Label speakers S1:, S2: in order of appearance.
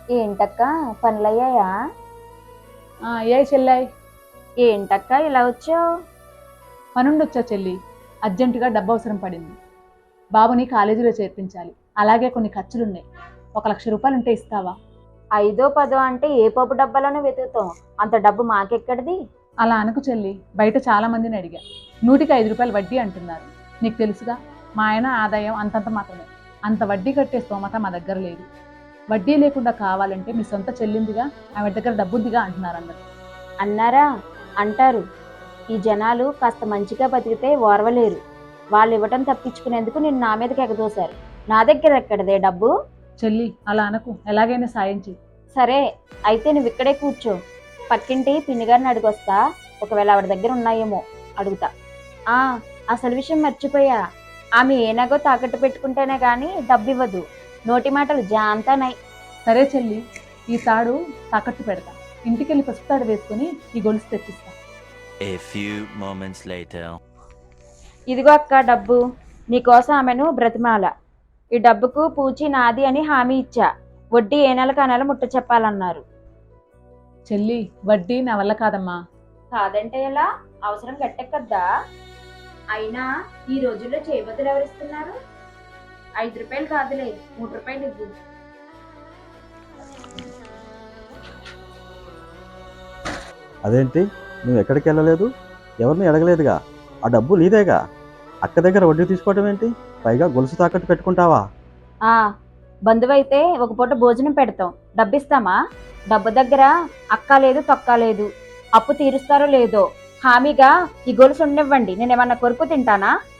S1: ఏంటక్క పనులయ్యాయా?
S2: ఏ చెల్లాయి?
S1: ఏంటక్క ఇలా వచ్చావు?
S2: పనుండొచ్చా చెల్లి? అర్జెంటుగా డబ్బు అవసరం పడింది. బాబుని కాలేజీలో చేర్పించాలి. అలాగే కొన్ని ఖర్చులున్నాయి. 1,00,000 ఉంటే ఇస్తావా?
S1: 5-10 అంటే ఏ పప్పు డబ్బాలోనే వెతుకుతాం, అంత డబ్బు మాకెక్కడిది?
S2: అలా అనకు చెల్లి, బయట చాలా మందిని అడిగా. 100కి రూపాయలు వడ్డీ అంటున్నారు. నీకు తెలుసుగా, మా ఆయన ఆదాయం అంతంత మాత్రమే. అంత వడ్డీ కట్టే స్తోమత మా దగ్గర లేదు. వడ్డీ లేకుండా కావాలంటే మీ సొంత చెల్లిందిగా, ఆమె దగ్గర డబ్బుందిగా అంటున్నారు అందరు.
S1: అన్నారా? అంటారు. ఈ జనాలు కాస్త మంచిగా బతికితే ఓర్వలేరు. వాళ్ళు ఇవ్వటం తప్పించుకునేందుకు నిన్ను నా మీదకి ఎగదోశారు. నా దగ్గర ఎక్కడదే డబ్బు?
S2: చెల్లి అలా అనకు, ఎలాగైనా సాయం చెయ్యి.
S1: సరే, అయితే నువ్వు ఇక్కడే కూర్చో. పక్కింటి పిన్నిగారిని అడిగొస్తా. ఒకవేళ ఆవిడ దగ్గర ఉన్నాయేమో అడుగుతా. ఆ అసలు విషయం మర్చిపోయా. ఆమె ఏనాగో తాకట్టు పెట్టుకుంటేనే గాని డబ్బు ఇవ్వదు. నోటి మాటలు జాంతానై.
S2: సరే చెల్లి, ఈ తాడు తాకట్టు పెడతా. ఇంటికెళ్ళి పసుపు తాడు వేసుకుని ఈ గొలుసు తెచ్చిస్తా.
S3: A few moments later.
S1: ఇదిగో అక్క డబ్బు. నీకోసం ఆమెను బ్రతిమాల. ఈ డబ్బుకు పూచి నాది అని హామీ ఇచ్చా. వడ్డీ ఏ నెలకు ఆ నెల ముట్ట చెప్పాలన్నారు.
S2: చెల్లి, వడ్డీ నా వల్ల కాదమ్మా.
S1: కాదంటే ఎలా? అవసరం గట్టెక్కద్దా? అయినా ఈ రోజుల్లో చేయబదులు ఎవరిస్తున్నారు? 5 రూపాయలు కాదులే, 3 రూపాయలు ఇవ్వు.
S4: అదేంటి, నువ్వు ఎక్కడికి వెళ్ళలేదు, ఎవరిని అడగలేదుగా? ఆ డబ్బు నీదేగా. అక్క దగ్గర వడ్డీ తీసుకోవడం ఏంటి? పైగా గొలుసు తాకట్టు పెట్టుకుంటావా?
S1: ఆ బంధువైతే ఒక పూట భోజనం పెడతాం, డబ్బిస్తామా? డబ్బు దగ్గర అక్క లేదు తొక్క లేదు. అప్పు తీరుస్తారో లేదో హామీగా ఈ గొలుసు ఉండనివ్వండి, నేనేమన్నా కొరుకు తింటానా?